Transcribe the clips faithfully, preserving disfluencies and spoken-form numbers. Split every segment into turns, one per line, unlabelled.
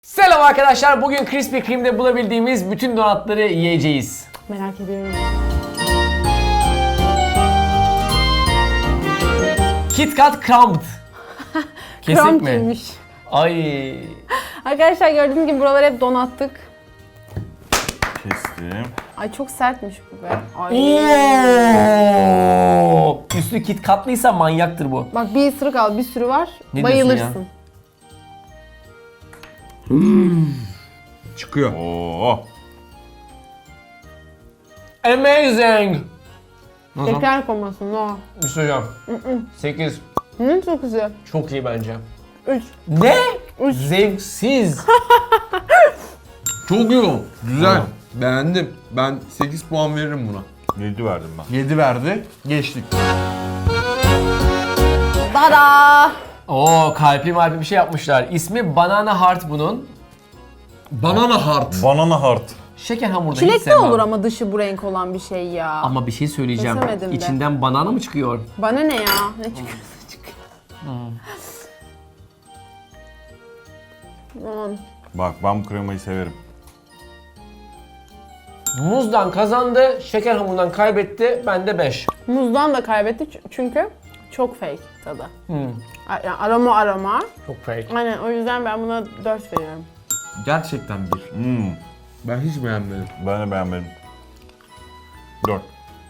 Selam arkadaşlar. Bugün Krispy Kreme'de bulabildiğimiz bütün donatları yiyeceğiz.
Merak ediyorum.
KitKat Crumbed. Kesik mi?
Crumb'cıymış.
Ay.
Arkadaşlar gördüğünüz gibi buraları hep donattık.
Kestim.
Ay çok sertmiş bu be. Ay.
Oo. Üstü KitKatlıysa manyaktır bu.
Bak bir ısırık al, bir sürü var.
Ne diyorsun
bayılırsın.
Çıkıyor.
Oo.
Amazing. Nasıl?
Şeker komasın no.
Bir şey söyleyeceğim. sekiz.
Hı, çok güzel.
Çok iyi bence.
üç.
Ne? Zevksiz.
Çok iyi o. Güzel. Beğendim. Ben sekiz puan veririm buna.
yedi verdim ben.
yedi verdi. Geçtik.
Dada.
Oo, kalpli malpli bir şey yapmışlar. İsmi Banana Heart bunun.
Banana Heart.
Banana heart.
Şeker hamurda hiç
Çilekli
sevmem.
olur ama dışı bu renk olan bir şey ya.
Ama bir şey söyleyeceğim.
Kesemedim de.
İçinden banana mı çıkıyor?
Bana ne ya? Ne çıkıyorsa çıkıyor. Aman.
Bak ben bu kremayı severim.
Muzdan kazandı, şeker hamurundan kaybetti. Ben de beş.
Muzdan da kaybetti ç- çünkü çok fake tadı.
Hmm,
A- Yani aroma aroma.
çok fake.
Aynen o yüzden ben buna dört veriyorum.
Gerçekten bir.
Hmm.
Ben hiç beğenmedim.
Ben de beğenmedim. dört.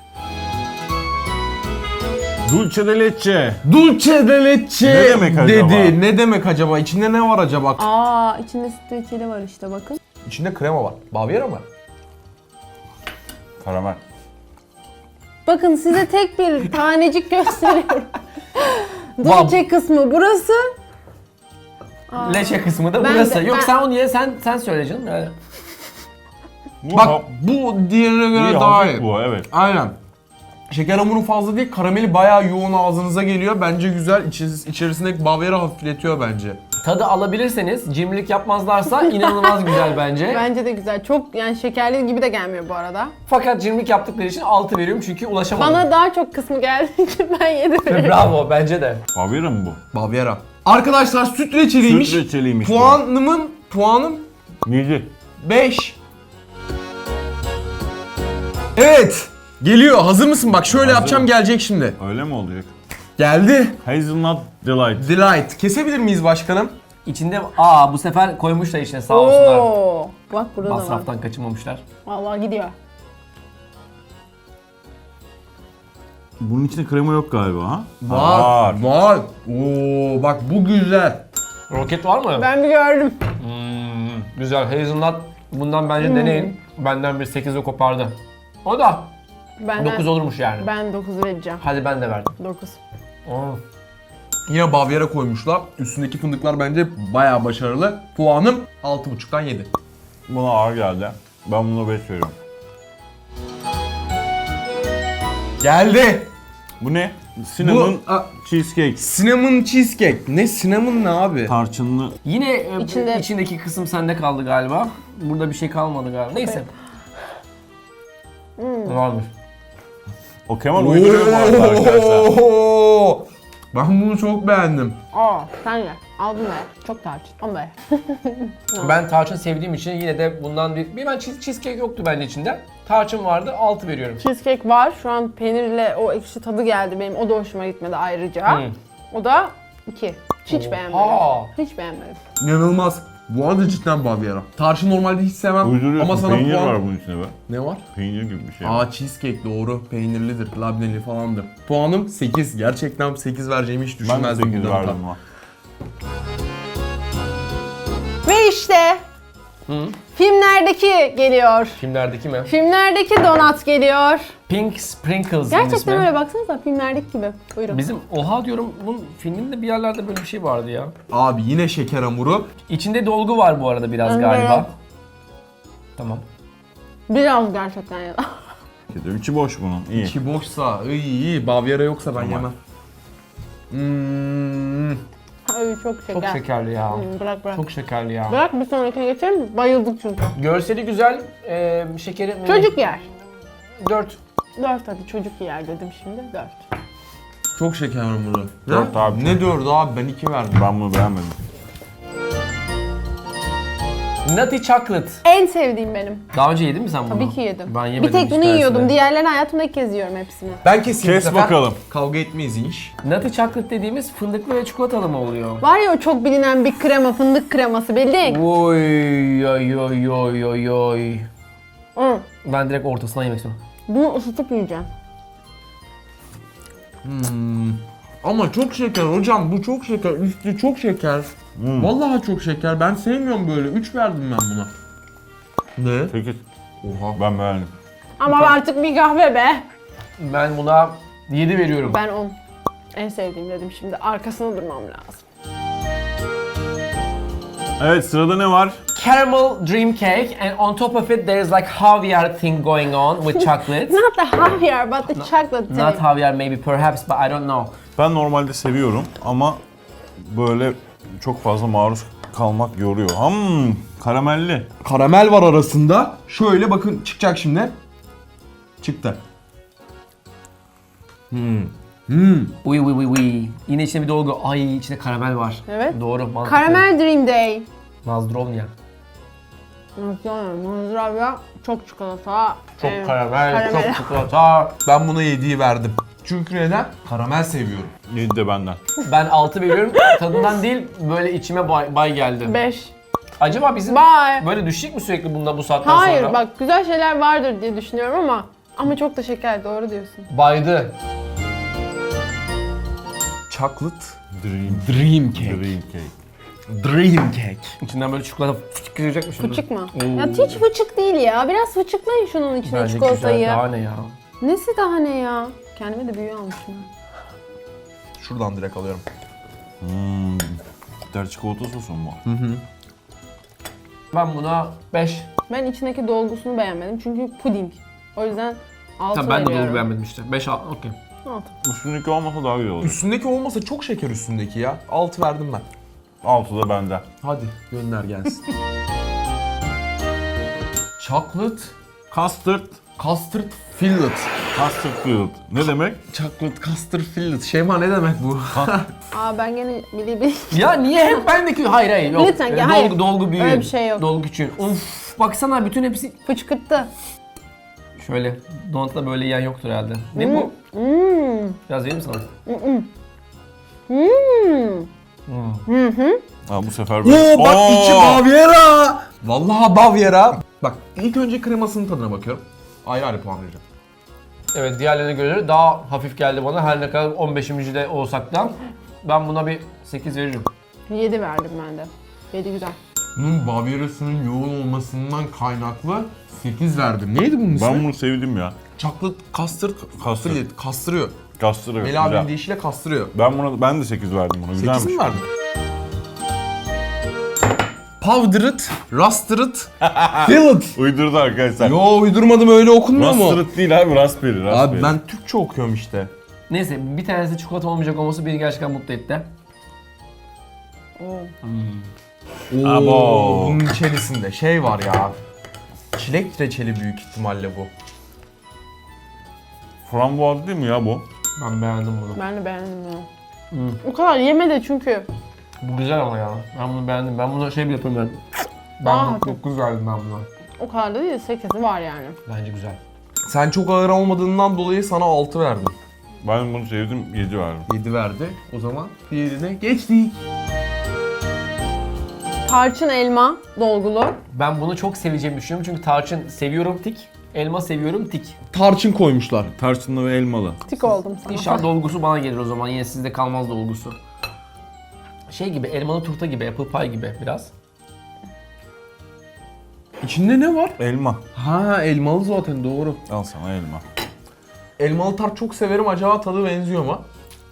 Dulce de leche.
Dulce de leche
Ne demek acaba?
dedi. Ne demek acaba? İçinde ne var acaba?
Aa içinde süt reçeli var işte bakın.
İçinde krema var. Bavyera mı?
Karamel.
Bakın size tek bir tanecik gösteriyorum. Dulce kısmı burası.
Leşe kısmı da
Ben
burası.
de-
Yok
ben-
sen onu ye, sen sen söyle canım yani.
Bu
Bak
ha-
bu diğerine göre
iyi,
daha
hafif
iyi.
bu evet.
Aynen. Şeker hamuru fazla değil, karameli bayağı yoğun ağzınıza geliyor. Bence güzel. İçi- içerisindeki Bavyera hafifletiyor bence.
Tadı alabilirseniz, cimrilik yapmazlarsa inanılmaz güzel bence.
Bence de güzel. Çok yani şekerli gibi de gelmiyor bu arada.
Fakat cimrilik yaptıkları için altı veriyorum çünkü ulaşamadım.
Bana daha çok kısmı geldiği için ben yedi veriyorum.
Bravo bence de.
Bavyera mı bu?
Bavyera. Arkadaşlar süt reçeliymiş.
Süt reçeliymiş bu.
Puanımın, puanım
yedi.
beş. Evet. Geliyor. Hazır mısın? Bak şöyle
Hazırım.
yapacağım, gelecek şimdi.
Öyle mi olacak?
Geldi.
Hazelnut Delight.
Delight. Kesebilir miyiz başkanım?
İçinde aa bu sefer koymuşlar içine sağ olsunlar.
Oo. Bak burada da var.
Masraftan kaçınmamışlar.
Vallahi gidiyor.
Bunun içinde krema yok galiba ha?
Var. Var. Oo bak bu güzel.
Roket var mı?
Ben bir gördüm.
Hmm, güzel. Hazelnut bundan bence deneyin. Benden bir sekize kopardı. O da
Benden,
dokuz olurmuş yani.
Ben dokuz vereceğim.
Hadi ben de verdim.
dokuz.
Oo.
Yine Bavyera koymuşlar. Üstündeki fındıklar bence bayağı başarılı. Puanım altı buçuktan yedi.
Buna ağır geldi. Ben buna beş veriyorum.
Geldi.
Bu ne? Cinnamon
Bu a,
cheesecake.
cinnamon cheesecake. Ne cinnamon ne abi?
Tarçınlı.
Yine e, bu
İçinde-
içindeki kısım sende kaldı galiba. Burada bir şey kalmadı galiba. Neyse. Varmış.
O Kemal uyduruyor bu arada arkadaşlar.
Oo! Ben bunu çok beğendim.
Aa sen ye. Al bunu ye. Çok tarçın. Ama be.
Ben tarçın sevdiğim için yine de bundan bir... Bir ben cheese- cheesecake yoktu bence içinde. Tarçın vardı, altı veriyorum.
Cheesecake var. Şu an peynirle o ekşi tadı geldi benim. O da hoşuma gitmedi ayrıca.
Hmm.
O da iki. Hiç beğenmedim.
Aa.
Hiç beğenmedim.
İnanılmaz. Bu arada cidden Bavyera. Tarçın normalde hiç sevmem
Uyduruyorsun.
ama sana
Peynir
puan...
var bunun içinde be.
Ne var?
Peynir gibi bir şey.
Aa cheesecake doğru. Peynirlidir, labneli falandır. Puanım sekiz. Gerçekten sekiz vereceğimi hiç
Ben de
düşünmezdim.
sekiz
bundan
verdim
da.
ama.
Ve işte filmlerdeki geliyor.
Filmlerdeki mi?
Filmlerdeki donat geliyor.
Pink Sprinkles
Gerçekten
ismi.
öyle baksanıza filmlerdeki gibi. Buyurun.
Bizim oha diyorum bunun filminde bir yerlerde böyle bir şey vardı ya.
Abi yine şeker hamuru.
İçinde dolgu var bu arada biraz
Evet.
galiba. Tamam.
Biraz gerçekten ya da.
İçi boş bunun. İyi.
İçi boşsa, iyi iyi. Bavyera yoksa ben
Tamam.
yemem. Hmm.
Ay çok şeker.
Çok şekerli ya.
Hmm, bırak bırak.
Çok şekerli ya.
Bırak bir sonrakine geçelim. Bayıldık çünkü.
Görseli güzel, e, şekeri...
Çocuk yer.
dört.
Dört hadi çocuk yer dedim şimdi. Dört.
Çok şeker hamuru.
Dört
Ne?
abi.
Ne dördü abi? Ben iki verdim.
Ben bunu beğenmedim.
Nutty Chocolate.
En sevdiğim benim.
Daha önce yedin mi sen bunu?
Tabii ki yedim.
Ben yemedim
Bir tek
hiç
bunu
tanesini.
yiyordum. Diğerlerini hayatımda ilk kez yiyorum hepsini.
Ben keseyim
Kes
bu sefer.
bakalım.
Kavga etmeyiz inş.
Nutty Chocolate dediğimiz fındıklı ve çikolatalı mı oluyor?
Var ya o çok bilinen bir krema, fındık kreması bildin.
Oy oy oy oy oy oy.
Hı.
Ben direkt ortasından yemek istiyorum.
Bunu ısıtıp yiyeceğim.
Ama çok şeker hocam, bu çok şeker, üstü çok şeker. Vallahi çok şeker, ben sevmiyorum böyle. üç verdim ben buna. Ne?
sekiz.
Oha.
Ben beğendim.
Ama artık bir kahve be.
Ben buna yedi veriyorum.
Ben on. En sevdiğim dedim şimdi. Arkasında durmam lazım.
Evet, sırada ne var?
Caramel dream cake and on top of it there is like Javier thing going on with chocolate.
Not the Javier, but the chocolate
Not
thing.
Javier maybe perhaps but I don't know.
Ben normalde seviyorum ama böyle çok fazla maruz kalmak yoruyor. Hmm, karamelli.
Karamel var arasında. Şöyle bakın çıkacak şimdi. Çıktı. Hmm. Hmm.
Uy uy uy uy. Yine içinde bir dolgu. Ay içinde karamel var.
Evet.
Doğru mantıklı.
Caramel Dream Day.
Nazdrovnya.
Mozzarella, çok çikolata.
Çok
em,
karamel,
karamel.
çok çikolata.
Ben buna yediyi verdim. Çünkü neden? Karamel seviyorum.
yedi de benden.
Ben altı veriyorum. Tadından değil böyle içime bay, bay geldi.
beş.
Acaba bizim
Bye.
böyle düşecek mi sürekli bundan bu saatten
Hayır
sonra?
bak güzel şeyler vardır diye düşünüyorum ama ama çok da şeker, doğru diyorsun.
Baydı.
Chocolate
Dream.
Dream Cake.
Dream cake.
Dream Cake.
İçinden böyle çikolata fıçık girecek mi şimdi?
Fıçık mı?
Oo.
Ya hiç fıçık değil ya. Biraz fıçıklayın şunun içine
Bence
çikolatayı.
güzel. Daha ne ya?
Nesi daha ne ya? Kendime de büyüğü almışım.
Şuradan direkt alıyorum.
Hmm. Bitter çikolata sosu mu?
Ben buna beş.
Ben içindeki dolgusunu beğenmedim çünkü puding. O yüzden altı
Tamam ben de
veriyorum.
dolgu beğenmedim işte. beş al. Okey.
altı.
Üstündeki olmasa daha güzel olur.
Üstündeki olmasa çok şeker üstündeki ya. altı verdim ben.
altı da benden.
Hadi gönder gelsin. Chocolate
Custard.
Custard Fillet.
Custard field. Ne demek?
Chocolate Custard Fillet. Şeyma ne demek bu?
Aa ben gene bili bili.
Ya niye hep bendeki? Hayır hayır yok.
Lütfen,
Ee,
ya,
dolgu,
hayır.
dolgu büyüğü.
Öyle bir şey yok.
Dolgu küçüğü. Of baksana bütün hepsi
Fıçkırttı.
şöyle. Donutla böyle yiyen yoktur herhalde. Ne bu?
Hmm.
Biraz vereyim mi sana?
Hmm.
Ha, bu sefer böyle.
Oo bak
Oo!
içi Baviera. Vallahi Baviera. Bak ilk önce kremasının tadına bakıyorum. Ayrı ayrı puan vereceğim.
Evet diğerlerine göre daha hafif geldi bana. Her ne kadar on beşinci de olsak da ben buna bir sekiz veririm.
yedi verdim ben de. yedi güzel.
Bunun Baviera'sının yoğun olmasından kaynaklı sekiz verdim. Neydi bunun ismi?
Ben bunu sevdim ya.
Chocolate Custard
Custard.
Fillet. Kastırıyor.
Kastırıyor.
Meli abinin
Güzel.
deyişiyle kastırıyor.
Ben buna ben de sekiz verdim buna. Güzelmiş.
sekiz mi verdin? Powdered, Rusted, Fillet.
Uydurdu arkadaşlar.
Yo uydurmadım, öyle okunmuyor mu?
Raspberry değil abi, raspberry. raspberry.
Abi ben Türkçe okuyorum işte.
Neyse bir tanesi çikolata olmayacak olması beni gerçekten mutlu etti.
Oo.
Abo.
Bunun içerisinde şey var ya. Çilek reçeli büyük ihtimalle bu.
Frambuaz değil mi ya bu?
Ben beğendim bunu.
Ben de beğendim ya.
Hmm.
O kadar yeme de çünkü.
Bu güzel ama ya. Ben bunu beğendim. Ben buna şey bir yapayım ben. Ben
Aa,
bu- dokuz verdim ben buna.
O kadar da değil, sekizi var yani.
Bence güzel.
Sen çok ağır olmadığından dolayı sana altı verdim.
Ben bunu sevdim, yedi verdim.
yedi verdi. O zaman diğerine geçtik.
Tarçın elma dolgulu.
Ben bunu çok seveceğimi düşünüyorum çünkü tarçın seviyorum tik. Elma seviyorum tik.
Tarçın koymuşlar.
Tarçınlı ve elmalı.
Tik oldum sana.
İnşallah dolgusu bana gelir o zaman. Yine sizde kalmaz dolgusu. Şey gibi, elmalı turta gibi, apple pie gibi biraz.
İçinde ne var?
Elma.
Ha elmalı zaten, doğru.
Al sana elma.
Elmalı tart çok severim. Acaba tadı benziyor mu?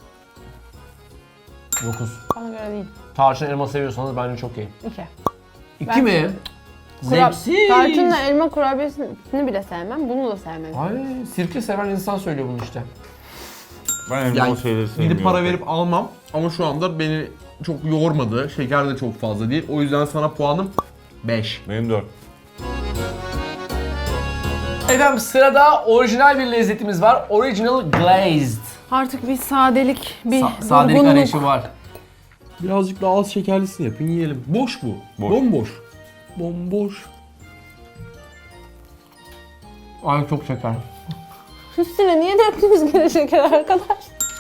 dokuz.
Bana göre değil.
Tarçın elma seviyorsanız bence çok iyi.
İki.
İki
Ben-
mi?
Kura-
Zevksiz.
Tarçınla elma kurabiyesini bile sevmem, bunu da sevmedim.
Ay, sirke seven insan söylüyor bunu işte.
Ben elmalı
Yani
şeyleri sevmiyorum.
gidip para verip almam ama şu anda beni çok yormadı. Şeker de çok fazla değil. O yüzden sana puanım beş.
Benim dört.
Efendim sırada orijinal bir lezzetimiz var. Original Glazed.
Artık bir sadelik, bir
Sa- sadelik
durgunluk.
arayışı var.
Birazcık daha az şekerlisini yapın yiyelim. Boş bu.
Boş.
Bomboş. Bomboş.
Ay çok şeker.
Üstüne niye döktünüz gene şeker arkadaş?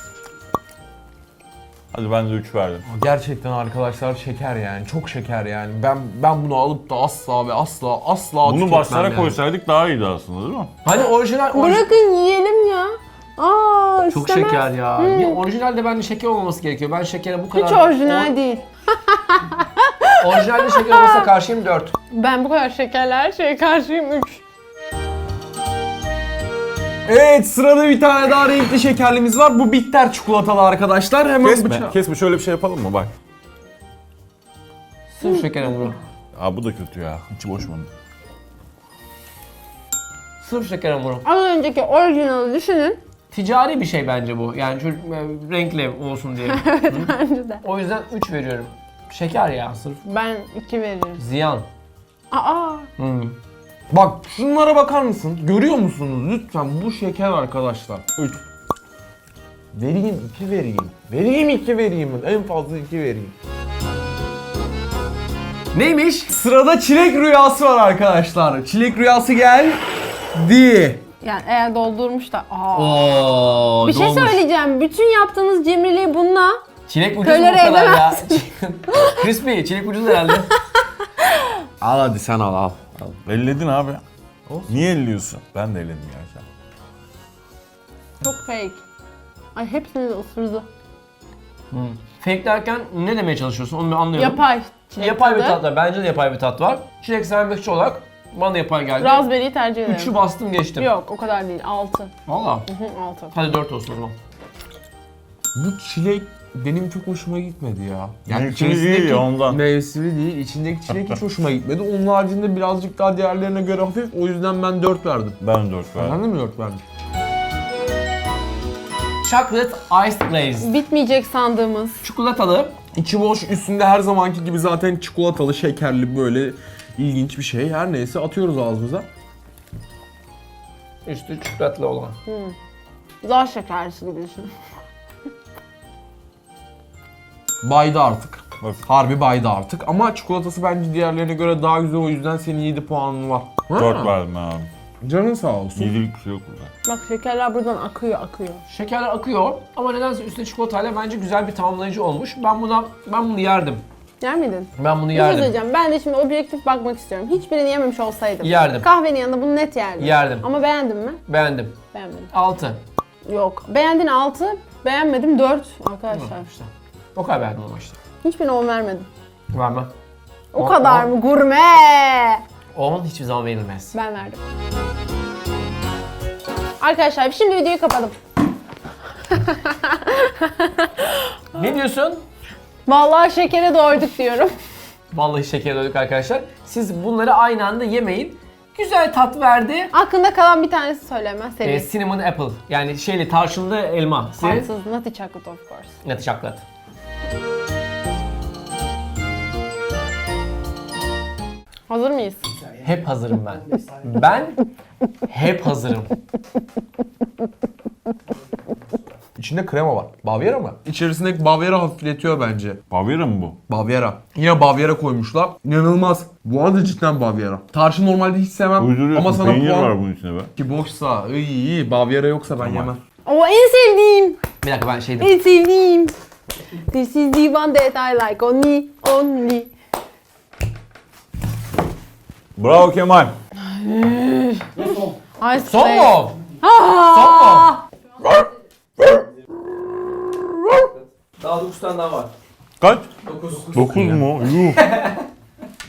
Hadi ben de üç verdim.
Gerçekten arkadaşlar şeker yani. Çok şeker yani. Ben ben bunu alıp da asla ve asla asla
Bunu
tüketmem
başlara
yani.
koysaydık daha iyiydi aslında değil mi?
Hani orijinal... orij-
Bırakın yiyelim ya. Aa,
Çok
istemez.
şeker ya. Ya orijinalde bence şeker olmaması gerekiyor. Ben şekere bu kadar...
Hiç orijinal değil.
O- Orijinalde şeker olmasına karşıyım dört.
Ben bu kadar şekerli her şeye karşıyım üç.
Evet, sırada bir tane daha renkli şekerlimiz var. Bu bitter çikolatalı arkadaşlar. Hemen
Kesme.
bıçağı-
Kesme, şöyle bir şey yapalım mı bak.
Sırf şeker hamuru.
Aa bu da kötü ya. İçi boş bunun.
Sırf şeker hamuru.
Az önceki orijinali düşünün.
Ticari bir şey bence bu. Yani çocuk e, renkli olsun diye. Hı?
Bence de.
O yüzden üç veriyorum. Şeker ya sırf.
Ben iki veririm.
Ziyan.
Aa.
Hmm.
Bak şunlara bakar mısın? Görüyor musunuz? Lütfen bu şeker arkadaşlar. üç. Vereyim iki vereyim. Vereyim iki vereyim. En fazla iki vereyim.
Neymiş?
Sırada çilek rüyası var arkadaşlar. Çilek rüyası geldi.
Yani eğer doldurmuş da. Aa.
Oo,
Bir şey
dolmuş.
söyleyeceğim. Bütün yaptığınız cimriliği bununla
Çilek ucuz mu bu
Tolere
kadar ya?
edemezsin.
Crispy, çilek ucuz herhalde.
Al hadi sen al al.
Elledin abi. Niye elliyorsun? Ben de elledim gerçekten.
çok fake. Ay hepsini de ısırdı.
Hmm. Fake derken ne demeye çalışıyorsun? Onu ben anlıyorum.
Yapay. çilek
Yapay bir
tadı.
tat var. Bence de yapay bir tat var. Çilek sevmekçi olarak bana da yapay geldi.
Raspberry'yi tercih ederim.
Üçü bastım geçtim.
Yok o kadar değil. altı.
Valla.
altı.
Hadi dört olsun o zaman.
Bu çilek benim çok hoşuma gitmedi ya.
Mevsimi değil
içerisindeki-
ya, ondan.
Mevsimi değil. İçindeki çilek hiç hoşuma gitmedi. Onun haricinde birazcık daha diğerlerine göre hafif. O yüzden ben dört verdim.
Ben dört verdim.
Ben de mi dört verdim?
Chocolate Iced Glaze.
Bitmeyecek sandığımız.
Çikolatalı.
İçi boş, üstünde her zamanki gibi zaten çikolatalı, şekerli böyle ilginç bir şey. Her neyse atıyoruz ağzımıza.
Üstü çikolatlı olan.
Daha şekerlisi gibi düşün.
Baydı artık.
Bak.
Harbi baydı artık. Ama çikolatası bence diğerlerine göre daha güzel, o yüzden senin yedi puanın var.
dört
Ha,
verdim ben abi.
Canın sağ olsun.
Yedilik bir şey yok burada.
Bak şekerler buradan akıyor akıyor.
Şekerler akıyor ama nedense üstüne çikolatayla bence güzel bir tamamlayıcı olmuş. Ben buna ben bunu yerdim.
Yer miydin?
Ben bunu
Bir şey
yerdim.
söyleyeceğim. Ben de şimdi objektif bakmak istiyorum. Hiçbirini yememiş olsaydım.
Yerdim.
Kahvenin yanında bunu net yerdim.
Yerdim.
Ama beğendin mi?
Beğendim.
Beğenmedim.
altı.
Yok. Beğendin altı, beğenmedim dört arkadaşlar.
İşte. O kadar beğendim ama işte.
Hiçbirine on vermedim.
Vermem.
O
On-
kadar
on-
mı? Gurme!
on hiçbir zaman verilmez.
Ben verdim. Arkadaşlar şimdi videoyu kapadım.
Ne diyorsun?
Vallahi şekere doyduk diyorum.
Vallahi şeker döndük arkadaşlar. Siz bunları aynı anda yemeyin. Güzel tat verdi.
Aklında kalan bir tanesi söylemez seri.
Ee, cinnamon apple. Yani şeyli tarçınlı elma. Senin?
Tatsız, nutty chocolate of course.
Nutty chocolate.
Hazır mıyız?
Hep hazırım ben. Ben hep hazırım.
İçinde krema var. Bavyera mı? İçerisindeki Bavyera hafifletiyor bence.
Bavyera mı bu?
Bavyera. Yine Bavyera koymuşlar. İnanılmaz. Bu arada cidden Bavyera. Tarçın normalde hiç sevmem.
Uyduruyorsun.
Ama sana
Peynir
puan...
var bunun içinde be.
Ki boşsa, iyi iyi. Bavyera yoksa ben
Tamam.
yemem.
O en sevdiğim.
Bir dakika ben şeydim.
En sevdiğim. This is the one that I like only, only.
Bravo Kemal.
Ice
Son
cream.
mu?
Aa!
Son mu? Daha dokuz tane daha var.
Kaç?
dokuz.
dokuz mu? Yuh.